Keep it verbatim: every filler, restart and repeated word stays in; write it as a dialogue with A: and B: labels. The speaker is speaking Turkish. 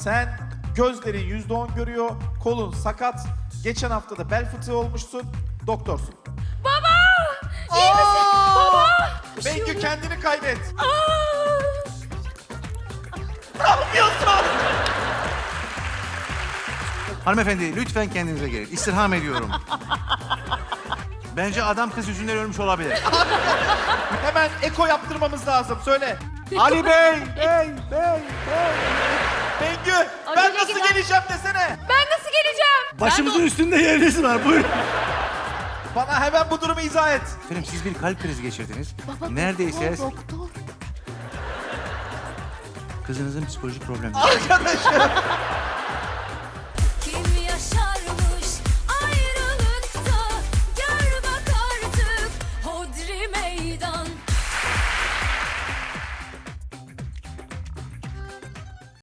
A: Sen gözlerin yüzde on görüyor, kolun sakat. Geçen hafta da bel fıtığı olmuşsun, doktorsun.
B: Baba! İyi misin? Baba! Bir şey
A: Bengü
B: oluyor.
A: kendini kaybet.
B: Aa!
A: Ne yapıyorsun?
C: Hanımefendi lütfen kendinize gelin. İstirham ediyorum. Bence adam kız yüzünden ölmüş olabilir.
A: Hemen eko yaptırmamız lazım, söyle.
C: Ali Bey! Bey! Bey!
A: Bengü, ben
B: Acele
A: nasıl
B: giden-
A: geleceğim desene.
B: Ben nasıl geleceğim?
C: Başımızın üstünde yeriniz var. Buyurun.
A: Bana hemen bu durumu izah et.
C: Efendim siz bir kalp krizi geçirdiniz.
B: Baba,
C: Neredeyse
B: doktor, doktor.
C: kızınızın psikolojik problemi.
A: Arkadaşım.